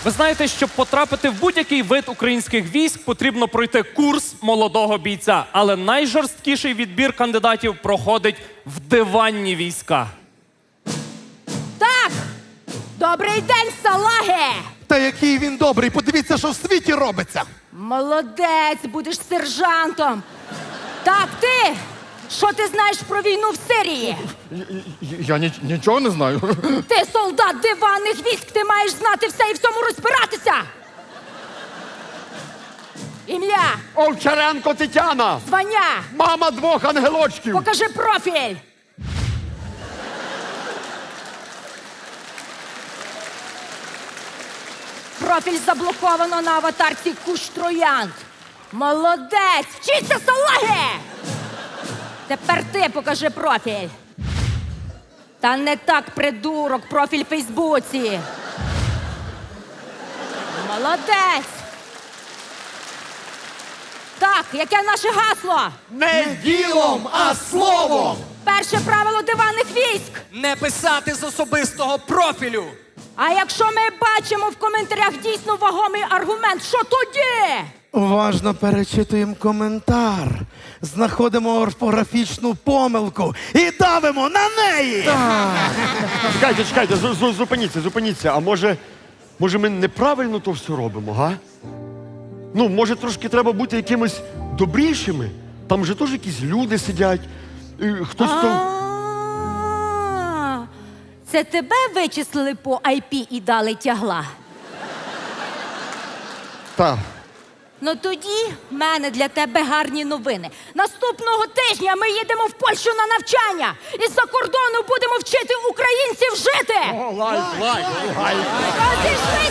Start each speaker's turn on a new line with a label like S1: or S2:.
S1: Ви знаєте, щоб потрапити в будь-який вид українських військ, потрібно пройти курс молодого бійця. Але найжорсткіший відбір кандидатів проходить в диванні війська.
S2: Так! Добрий день, салаги!
S3: Та який він добрий, подивіться, що в світі робиться.
S2: Молодець, будеш сержантом. Так, ти! Що ти знаєш про війну в Сирії?
S3: Я нічого не знаю.
S2: Ти солдат диванних військ, ти маєш знати все і всьому розбиратися! Ім'я,
S4: Овчаренко Тетяна!
S2: звання,
S4: Мама 2 ангелочків!
S2: покажи профіль! Профіль заблоковано на аватарці Кущ Троянд. Молодець! Вчіться, салаги! Тепер ти покажи профіль. Та не так, придурок, профіль в Фейсбуці. Молодець! Так, яке наше гасло?
S4: Не ділом, а словом!
S2: Перше правило диванних військ.
S5: Не писати з особистого профілю.
S2: А якщо ми бачимо в коментарях дійсно вагомий аргумент, що тоді?
S3: Уважно перечитуємо коментар, знаходимо орфографічну помилку і давимо на неї!
S4: Чекайте, зупиніться. А може ми неправильно то все робимо, га? Ну, може, трошки треба бути якимось добрішими? Там же теж якісь люди сидять. Хтось то...
S2: Це тебе вичислили по IP і дали тягла?
S4: Та.
S2: Ну тоді в мене для тебе гарні новини. Наступного тижня ми їдемо в Польщу на навчання. І з-за кордону будемо вчити українців жити.
S4: Лайк.
S2: Розійшли!